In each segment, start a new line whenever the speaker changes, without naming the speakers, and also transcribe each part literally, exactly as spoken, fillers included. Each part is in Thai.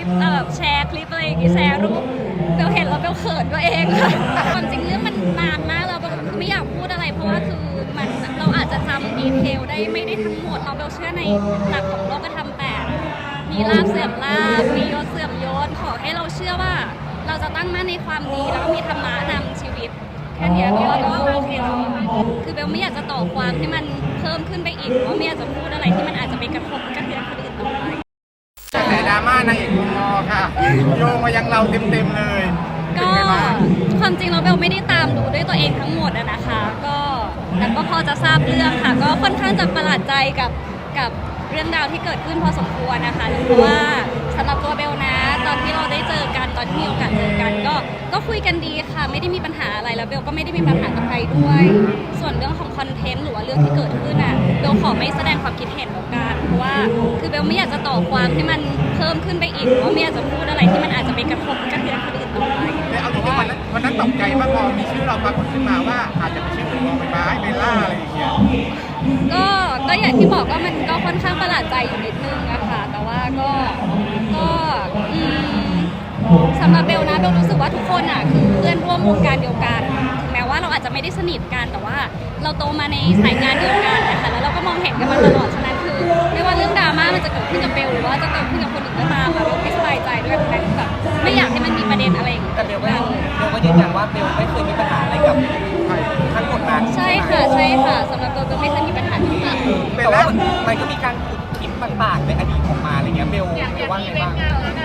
แบบแชร์คลิปอะไรอย่างงี้แชร์รูปเบลเห็นแล้วเบลเขินตัวเองค่ะความจริงเรื่องมันนานมากแล้วเบลไม่อยากพูดอะไรเพราะว่าคือมันเราอาจจะจำดีเทลได้ไม่ได้ทั้งหมดเราเบลเชื่อในหลักของโลกธรรมแปดมีลาภเสื่อมลาภมียศเสื่อมยศขอให้เราเชื่อว่าเราจะตั้งมั่นในความดีแล้วก็มีธรรมะนำชีวิตแค่นี้เบลก็โอเคแล้วคือเบลไม่อยากจะต่อความให้มันเพิ่มขึ้นไปอีกเพราะไม่อยากจะพูดอะไรที่มันอาจจะไปกระทบกระเทือนคนอื่นต่อไป
แต่ดราม่านางเอกคุณมอค่ะโยงมายังเราเต็มๆเลย
ก็ความจริงเราเบลไม่ได้ตามดูด้วยตัวเองทั้งหมดอะนะคะก็แต่ก็พอจะทราบเรื่องค่ะก็ค่อนข้างจะประหลาดใจกับกับเรื่องราวที่เกิดขึ้นพอสมควรนะคะเพราะว่าสำหรับตัวเบลนะตอนที่เราได้เจอกันตอนที่มีโอกาสเจอกันก็ก็คุยกันดีค่ะไม่ได้มีปัญหาอะไรแล้วเบลก็ไม่ได้มีปัญหากับใครด้วยส่วนเรื่องของคอนเทนต์หรือว่าเรื่องที่เกิดขึ้นอ่ะเบลขอไม่แสดงความคิดเห็นแล้วกันเพราะว่าคือเบลไม่อยากจะต่อความให้มันเพิ่มขึ้นไปอีกเพราะไม่อยากจะพูดอะไรที่มันอาจจะไปกระทบกระเทือนคนอื่นต่อไป
แต่เอาจริงๆวันนั้นวันนั้นตกใจมากพอมีชื่อเราปรากฏขึ้นมาว่าอาจจะเป็นชื่อคุณมอใบไม้เบลล่าอะไรอย่างเงี้ย
ก็ก็อย่างที่บอกก็มันก็ค่อนข้างประหลาดใจอยู่นิดนึงอะค่ะแต่ว่าก็ก็อืมสำหรับเบลนะเบลรู้สึกว่าทุกคนอะคือเพื่อนร่วมวงการเดียวกันถึงแม้ว่าเราอาจจะไม่ได้สนิทกันแต่ว่าเราโตมาในสายงานเดียวกันนะคะแล้วเราก็มองเห็นกันมาตลอดฉะนั้นคือไม่ว่าเรื่องดราม่ามันจะเกิดขึ้นกับเบลหรือว่าจะเกิดขึ้นกับคนอื่นก็ตามอะเบลไม่สบายใจด้วยเพราะฉะนั้นแบบไม่อยากให้มันมีประเด็นอะไรอย่างเงี้ย
แต่เบลก็เบลก็ยืนยันว่าเบลไม่เคยมีปัญหาอะไรกับทั้งหมดนั้น
ใช่ค่ะใช่ค่ะสำหรับเบลเบลไม่เคยมีปัญหาที่ต่าง
แต่ว่ามันก็มีการขุดคลิปต่างๆในอดีตออกมาอะไรเงี้ยเบลว่าไงบ้าง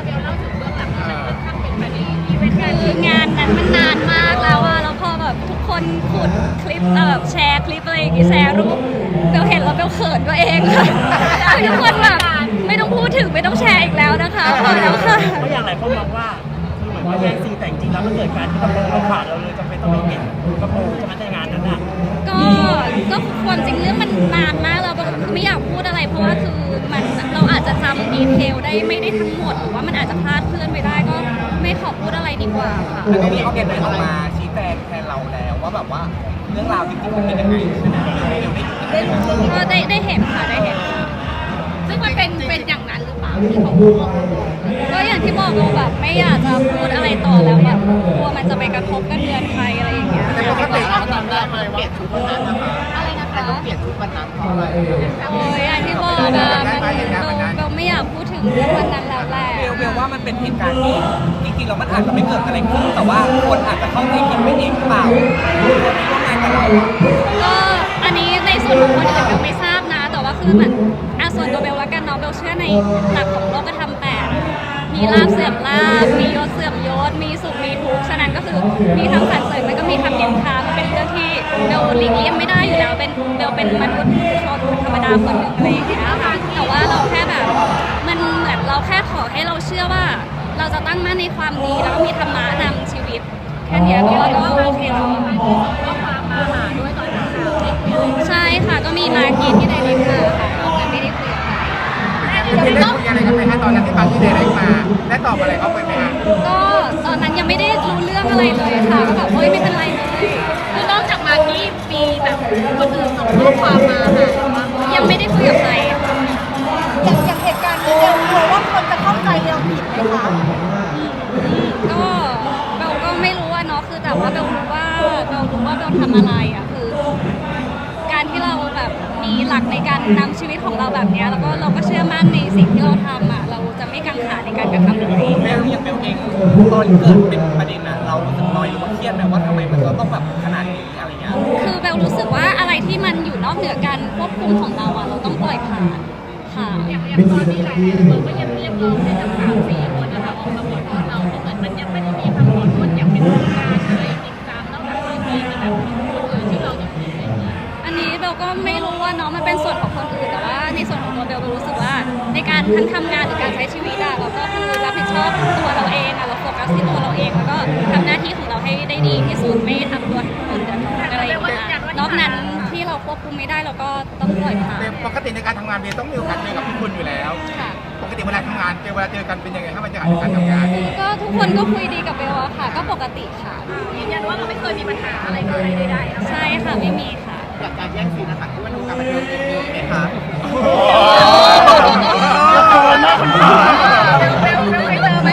คืองานนั้นมันนานมากแล้วอะแล้วพอแบบทุกคนขุดคลิปแบบแชร์คลิปอะไรอย่างงี้แชร์รูปเบลเห็นแล้วเบลเขินตัวเองค่ะทุกคนแบบไม่ต้องพูดถึงไม่ต้องแชร์อีกแล้วนะคะพอแล้วค่ะ
เพราะอย่างไรพวกมองว่าคือเหมือนว่าแย่งซีนแต่จริงๆแล้วมันเกิดการที่กระโปรงเราขาดเราเลยจำเป็นต้องไปเห็นกระโปรงใช่ไหมในงานนั้นอ่ะ
ก็ก็ความจริงเรื่องมันนานมากแล้วไม่อยากพูดอะไรเพราะว่าคือมันเราอาจจะจำดีเทลได้ไม่ได้ทั้งหมดหรือว่ามันอาจจะพลาดเคลื่อนไปได้ก็ไม่ขอพูดอะไรดีกว่าค่ะ
แล้วก็มีเขาเขียนออกมาชี้แจงแทนเราแล้วว่าแบบว่าเรื่องราวจริงๆมันเป็นยังไงใช่ไหม
ก็ได้ได้เห็นค่ะได้เห็นซึ่งมันเป็นเป็นอย่างนั้นหรือเปล่าที่เขาพูดก็อย่างที่บอกเราแบบไม่อยากจะพูดอะไรต่อแล้วแบบกลัวมันจะไปกระทบกระเทือนใครอะไรอย่างเงี้ย
แต่ปกติเราตอนแรกเลยว่าเปลี่ยนชุดวันนั้นนะคะ
อะไรนะคะ
ต้องเปลี่ยนชุดวันนั้นเพราะอะไร
โอ้ยอย่างที่บอกอะเราไม่อยากพูดถึงเรื่องวันนั้นแล้วแหละ
เบลเบลว่ามันเป็นเหตุการณ์ที่จริงๆแล้วมันอาจจะไม่เกิดอะไรขึ้นแต่ว่าคนอาจจะเข้าใจผิดไปเองหรือเปล่าคนที่ร่วมงานกับเรา
ก็อันนี้ในส่วนของคนอื่นเบลไม่ทราบนะแต่ว่าคือเหมือนอ่ะส่วนตัวเบลแล้วกันเนาะเบลเชื่อในหลักของโลกธรรมแปดมีลาภเสื่อมลาภมียศเสื่อมยศมีสุขมีทุกข์ฉะนั้นก็คือมีทั้งสรรเสริญแล้วก็มีทั้งนินทามันเป็นเรื่องที่เบลหลีกเลี่ยงไม่ได้อยู่แล้วเป็นเบลเป็นมนุษย์ชนธรรมดาคนหนึ่งอะไรอย่างเงี้ยค่ะแต่ว่าเราแค่แบบมันเหมือนเราแค่ขอให้เราเชื่อว่าเราจะตั้งมั่นในความดีแล้วก็มีธรรมะนำชีวิตแค่นี้ก็ก็โอเคแล้วก็มามาหาด้วยตอนเช้าใช่ค่ะก็มีมากินที่ไดเรกมาค่ะเราไม่ได้คุยกับใคร
ได้คุยอะไรกันไหมคะตอนนั้นที่ฟังที่ไดเรกมาได้ตอบอะไรเขาไปไหมคะ
ก็ตอนนั้นยังไม่ได้รู้เรื่องอะไรเลยค่ะก็แบบเฮ้ยไม่เป็นไรเลยคือนอกจากมากี้มีแบบคนอื่นส่งข้อความมาค่ะยังไม่ได้คุยกับใคร
อย่างอย่างเหตุการณ์นี้เรากลัวว่าคนจะเข้าใจเราผิดไหมคะ
ก็เบลก็ไม่รู้ว่าเนาะคือแต่ว่าเบลรู้ว่าเบลรู้ว่าเบลทำอะไรอ่ะคือการที่เราแบบมีหลักในการนำชีวิตของเราแบบนี้แล้วก็เราก็เชื่อมั่นในสิ่งที่เราทำอ่ะเราจะไม่กังขาในการกระทำอะไร
เบลอย่างเบลเองตอนเกิดเป็นประเด็นนะเรารู้สึกน้อยหรือว่าเครียดไหมว่าทำไมมันต้องแบบขนาดนี้อะไรเงี้ย
คือเบลรู้สึกว่าอะไรที่มันอยู่นอกเหนือการควบคุมของเราอ่ะเราต้องปล่อยผ่านค่ะอย่างอย่างตอนนี้หลายคนก็ยังเรียกร้องให้ทั้งสามสี่คนนะคะออกมาขอโทษเราเพราะเหมือนมันยังไม่ได้มีคำขอโทษอย่างเป็นทางการอะไรจริงจังนอกจากที่มีแบบคนอื่นที่เราจะผิดอะไรอย่างเงี้ยอันนี้เบลก็ไม่รู้ว่าเนาะมันเป็นส่วนของคนอื่นแต่ว่าในส่วนของตัวเบลเบลรู้สึกว่าในการทั้งทำงานหรือการใช้ชีวิตอะเราก็คือรับผิดชอบตัวเราเองอะเราโฟกัสที่ตัวเราเองแล้วก็ทำหน้าที่ของเราให้ได้ดีที่สุดไม่ทำตัวคนเดือดร้อนอะไรอย่างเงี้ยนอกนั้นที่เราควบคุมไม่ได้เราก็ต้องปล่อยผ่าน
ปกติในการทำงานเบลต้องมีโอกาสเจอกับพี่คุณอยู่แล้วปกติเวลาทำงานเจอเวลาเจอกันเป็นยังไงถ้าบรรยากาศในการทำงาน
ก็ทุกคนก็คุยดีกับเบลค่ะก็ปกติค่ะยืนยันว่าเราไม่เคยมีปัญหาอะไรกับใครใดๆใช่ค่ะไม่มีค่ะ
จากการแย่งซีนนะคะที่ว่าดูการบันเทิงมีไหมคะ
โอ้โหน่าคนถาม
เบลเบลเคยเจอ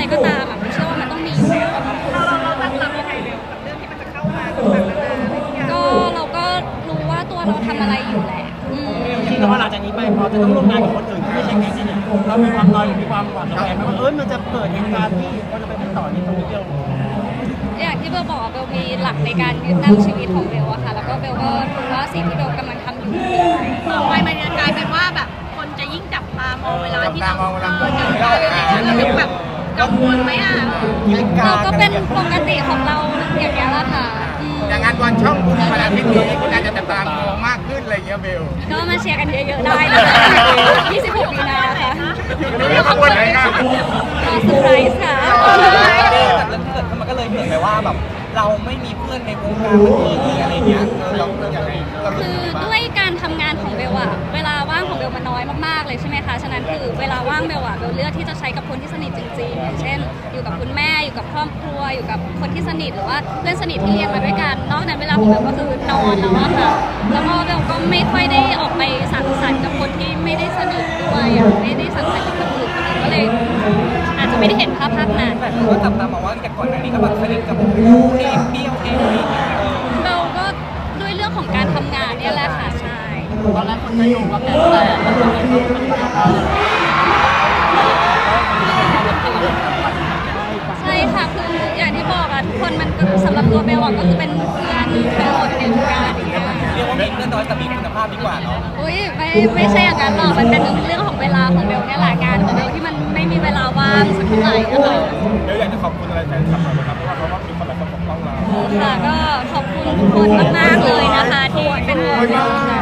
ก็ตามอ่ะไม่เชื่อว่ามันต้องมีอยู่แล้วอะค่ะ
เราเราเราตั้งรับยังไงเบลกับเรื่องที่มันจะเข้ามาต่างๆนานาอะไรอย่างเงี้ย
ก็เราก็รู้ว่าตัวเราทำอะไรอยู่แหละอืม
จริงๆแล้วว่าหลังจากนี้ไปพอจะต้องร่วมงานกับคนอื่นที่ไม่ใช่แก๊งนี้เนี่ยเรามีความน้อยหรือมีความหวาดระแวงไหมว่าเอ้ยมันจะเกิดเหตุการณ์ที่คนจะไปไม่ต่อในตรงนี้เดียว
อย่างที่เบลบอกเบลมีหลักในการยึดตั้งชีวิตของเบลอะค่ะ แล้วก็เบลก็รู้ว่าสิ่งที่เบลกำลังทำอยู่คืออะไร
ต่อไปมันจะกลายเป็นว่าแบบคนจะยิ่งจับตามองเวลาที่เรา
จับตามองเวลา
เออจับตามองเราจะแบบกังวลไหมอ่ะ
เราก็เป็นปกติของเราอย่างนี้ยแหละค่ะอืม
อย่างงานบอลช่องคุณวันอาทิตย์นี้คุณอาจจะจับตามองมากขึ้นอะไรเงี้ยเบล
ก็มาเชียร์กันเยอะๆได้นะคะยี่สิบหกมีนาค่ะ
เบลขบวนไหนครับ
ก็เซอร์ไพรส์ค่ะ
จากเรื่องที่เกิดขึ้นมันก็เลยเหมือนไปว่าแบบเราไม่มีเพื่อนในวงการบันเทิงเลยอะไรเงี้ยเออเราเราอย่างไรเรา
คือด้วยการทำงานของเบลอะเวลาว่างของเบลมันน้อยมากๆเลยใช่ไหมคะ ฉะนั้นคือเวลาว่างเบลอะเบลเลือกที่จะใช้กับคนที่สนิทจริงๆอย่างเช่น อยู่กับคุณแม่ อยู่กับครอบครัว อยู่กับคนที่สนิทหรือว่าเพื่อนสนิทที่เรียนมาด้วยกัน นอกนั้นเวลาของเบลก็คือนอนแล้วอะค่ะ แล้วก็เบลก็ไม่ค่อยได้ออกไปสังสรรค์กับคนที่ไม่ได้สนิทด้วยอะไม่ได้สังสรรค์กับคนอื่นคนอื่นก็เลย อาจจะไม่ได้เห็นภาพภาพนั้น
แต่คือว่าจับตามองว่าแต่ก่อนหน้านี้ก็แบบสนิทกับลูกเองเปี้ยวเองอะไรอย่างเงี้ยเออ
เบลก็ด้วยเรื่องของการทำงานเนี่ยแหละค่ะใช่
ตอนแรกคนจะโยงว่าแก๊งแตกแล้วคนนี้ก็มันจะ
ใช่ค่ะคืออย่างที่บอกอะทุกคนมันก็สำหรับตัวเบลอะก็คือเป็นเพื่อนทั้งหมดในวงการอย่างเงี้ย
เรียกว่ามีเพื่อนน้อยแต่มีคุณภาพดีกว่าเนาะ
อุ้ยไม่ไม่ใช่อย่างนั้นหรอกมันเป็นเรื่องของเวลาของเบลเนี่ยแหละงานของเบลที่มันไม่มีเวลาว่างสักเท่าไหร่อะค่ะ
เบลอยากจะขอบคุณอะไรแฟนคลับเราไหมครับเพราะว่าเขาก็มีคนแบบปกป้องเรา
ค่ะก็ขอบคุณทุกคนมากๆเลยนะคะที่เป็นห่วงเบลค่ะ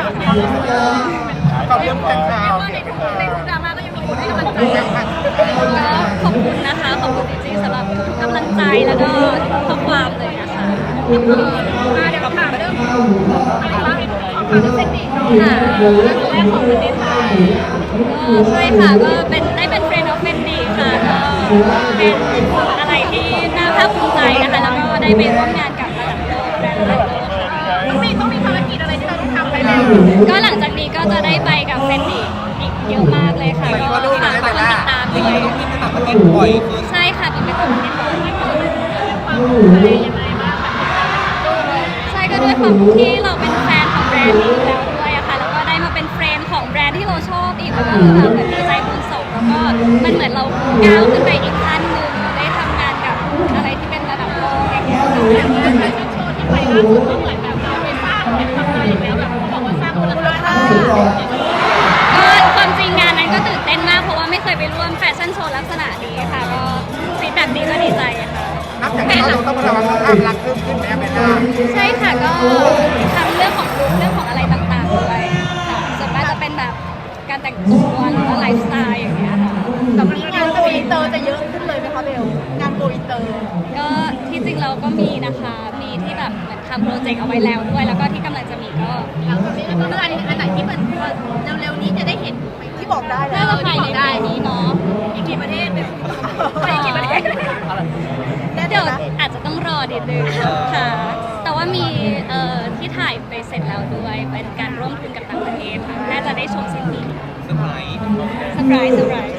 ขอบคุณแฟนคลับ
ในทุกในทุกดราม่าก็ยังมีคนให้กำลังใจ
ก็ขอบคุณนะคะขอบคุณจริงๆสำหรับทุกกำลังใจแล้วก็ทุกข้อความเลยนะคะ
มาเดี๋ยวเราถามเรื่องอะไรบ้างขอถามเรื่องเทคนิคเนาะ
ค่ะ
แรกของประเทศไทย
ก็ใช่ค่ะก็เป็นได้เป็นเฟรนด์ออฟเฟนดีค่ะก็เป็นอะไรที่น่าภาคภูมิใจนะคะแล้วก็ได้ไปร่วมงานกับระดับโลกแบรนด์ระดับโลกค่ะ
ต้องมีต้องมีภารกิจอะไรที่เราต้องทำไปแล้ว
ก็หลังจากนี้ก็จะได้ไปกับเฟนดีอีกเยอะมากเลยค่ะก็ฝากทุกคนติดตาม
จริ
ด้
ง
วย
ๆต้องมีไปต่างประเทศบ่อยขึ้น
ใช่ค่ะเป็นไปตามที่บอก
ความภูมิใจยังไงบ้าง
ใช่ก็ด้วยความที่เราเป็นแฟนของแบรนด์นี้อยู่แล้วด้วยอะค่ะแล้วก็ได้มาเป็นเฟรนด์ของแบรนด์ที่เราชอบอีกแล้วก็แบบเหมือนดีใจคูณสองแล้วก็มันเหมือนเราก้าวขึ้นไปอีกขั้นหนึ่งได้ทำงานกับอะไรที่เป็นระดับโลกอย่างเงี้ยค่ะ
แฟชั่นโชว์ที่ไปล่าสุดก็เหมือนแบบเราไปสร้างเป็นตำนานอีกแล้วแบบเขาบอกว่าสร้างมูลค่า
ก็ความจริงงานนั้นก็ตื่นเต้นมากเพราะว่าไม่เคยไปร่วมแฟชั่นโชว์ลักษณะนี้ค่ะก็ฟีดแบ็กดีก็ดีใจอะค่ะ
นับจากนี้เราต้องระวังภาพลักษณ์เพิ่มขึ้นไหมเบลล่า
ใช่ค่ะก็ทำเรื่องของลุคเรื่องของอะไรต่างๆด้วยค่ะส่วนมากจะเป็นแบบการแต่งตัวหรือว่าไลฟ์สไตล์อย่างเงี้ยค่ะ
แต่มันงานโกอินเตอร์จะเยอะขึ้นเลยไหมคะเบลงานโกอินเตอร์
ก็ที่จริงเราก็มีนะคะมีที่แบบเหมือนทำโปรเจกต์เอาไว้แล้วด้วย แล้วก็ที่กำลังจะมีก็
หลังจากนี้แล้วก็เรื่องอันนี้อันไหนที่มันเร็วๆนี้จะได้เห็นที่บอกได้
น่าจะภายในปีนี้เนาะ
อีกกี่ประเทศเป็นไปกี่ประเทศ
เดี๋ยวอาจจะต้องรอนิดนึงค่ะ แต่ว่ามีเอ่อที่ถ่ายไปเสร็จแล้วด้วย เป็นการร่วมทุนกับต่างประเทศค่ะน่าจะได้ชมสิ้นปี
เซอร์ไพรส์
เซอร์ไพรส์เซอร์ไพรส์